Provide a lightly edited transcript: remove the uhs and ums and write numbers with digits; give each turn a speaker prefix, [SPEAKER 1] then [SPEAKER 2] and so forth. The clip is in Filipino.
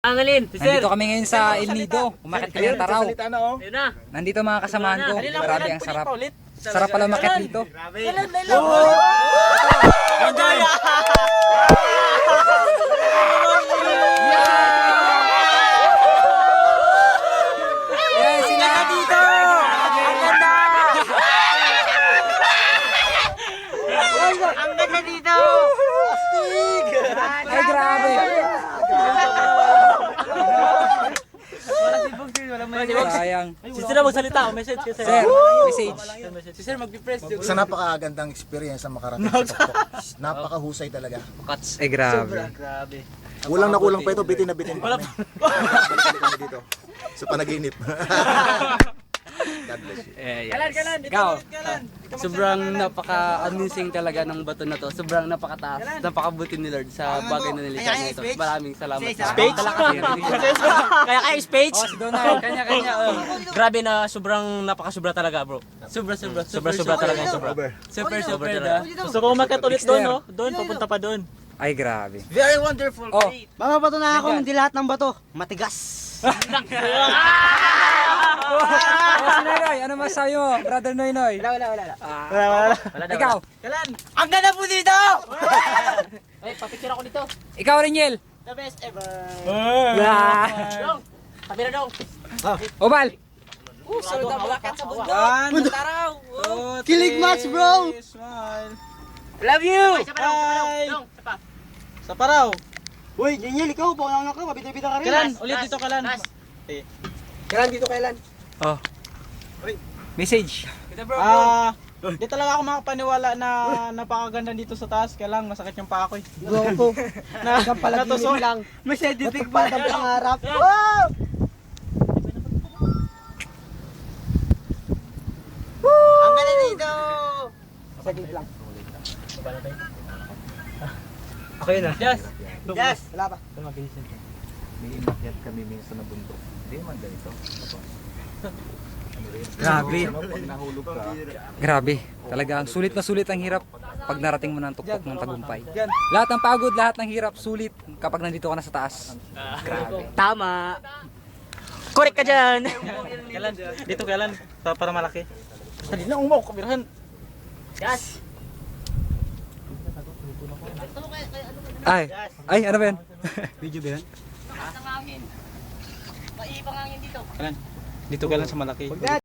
[SPEAKER 1] Angalin, si Sir.
[SPEAKER 2] Nandito kami ngayon sa El Nido. Umakit kami ng Taraw.
[SPEAKER 1] Ayun na.
[SPEAKER 2] Nandito mga kasamahan ko. Grabe ang sarap. Sarap pala umakit dito.
[SPEAKER 1] Kailan?
[SPEAKER 2] Yan sila dito.
[SPEAKER 1] Ang ganda! Ang ganda dito! Astig!
[SPEAKER 2] Ay, grabe. Sayang.
[SPEAKER 1] Si Sir magsalita, message kasi.
[SPEAKER 2] Sir, message.
[SPEAKER 1] Si Sir magpipress.
[SPEAKER 3] Sa napakagandang experience ang makarating sa Tuktok. Napakahusay talaga.
[SPEAKER 2] Ay, grabe.
[SPEAKER 1] Grabe.
[SPEAKER 3] Kulang na kulang pa ito, bitin na bitin pa kami. Balik kami dito. Sa panaginip. God bless you.
[SPEAKER 1] Kalan, dito
[SPEAKER 4] Ikaw,
[SPEAKER 1] kalan.
[SPEAKER 4] sobrang napaka-amusing talaga ng bato na to. Sobrang napakataas. Napakabuti ni Lord sa bagay na nilikha niya ito. Maraming salamat.
[SPEAKER 1] Speech? Kaya kayo speech?
[SPEAKER 2] Oh, si Donald.
[SPEAKER 4] Kanya-kanya.
[SPEAKER 1] Grabe na sobrang napakasubra talaga, bro. Sobra talaga yung sobra.
[SPEAKER 4] Super
[SPEAKER 1] talaga.
[SPEAKER 5] Gusto ko umakyat ulit doon, no? Doon, papunta pa doon.
[SPEAKER 2] Ay, grabe.
[SPEAKER 1] Very wonderful.
[SPEAKER 2] Oh,
[SPEAKER 5] Mga bato na ako, hindi lahat ng bato. Matigas.
[SPEAKER 2] oh, si Noynoy, ano masayo mo? Brother Noynoy.
[SPEAKER 5] Wala.
[SPEAKER 2] Ikaw.
[SPEAKER 1] Kalan, ang ganda po dito! Ay, papicture ako dito.
[SPEAKER 2] Ikaw, Reniel.
[SPEAKER 5] The best ever.
[SPEAKER 1] Dong, kamera dong.
[SPEAKER 2] Obal.
[SPEAKER 1] Sunod ang malakat sa bundok. Taraw.
[SPEAKER 5] Kilig match, bro.
[SPEAKER 1] Love you!
[SPEAKER 5] Bye. Sa paraw. Uy, Daniel, ikaw, baka lang ka, mabita-bita ka rin.
[SPEAKER 1] Kalan, ulit dito kalan.
[SPEAKER 5] Kailan dito, kailan?
[SPEAKER 2] Oh. Message.
[SPEAKER 5] Di talaga ako makapaniwala na napakaganda dito sa taas. Kaya lang, masakit yung paa ko.
[SPEAKER 6] Goko. Palaginip lang.
[SPEAKER 5] May scientific
[SPEAKER 6] Pa ang pangarap. Wow!
[SPEAKER 1] Ang ganda dito!
[SPEAKER 6] Saglit lang.
[SPEAKER 2] Ako yun ah.
[SPEAKER 1] Yes!
[SPEAKER 6] Wala pa.
[SPEAKER 3] May inakyat kami minsan na bundok. Hindi man ganito.
[SPEAKER 2] Grabe.
[SPEAKER 3] Pag nahulog ka,
[SPEAKER 2] Grabe. Talagang sulit na sulit ang hirap pag narating mo ng tuktok ng tagumpay. Lahat ng pagod, lahat ng hirap, sulit kapag nandito ka na sa taas. Grabe.
[SPEAKER 1] Tama! Correct ka dyan!
[SPEAKER 5] Kailan? Dito kailan? Para malaki. Dali na, umaw, kamerahan.
[SPEAKER 1] Yes!
[SPEAKER 2] Ay, ano ba yan?
[SPEAKER 5] Video ba yan?
[SPEAKER 1] Maipangangin dito.
[SPEAKER 5] Dito kailan sa malaki.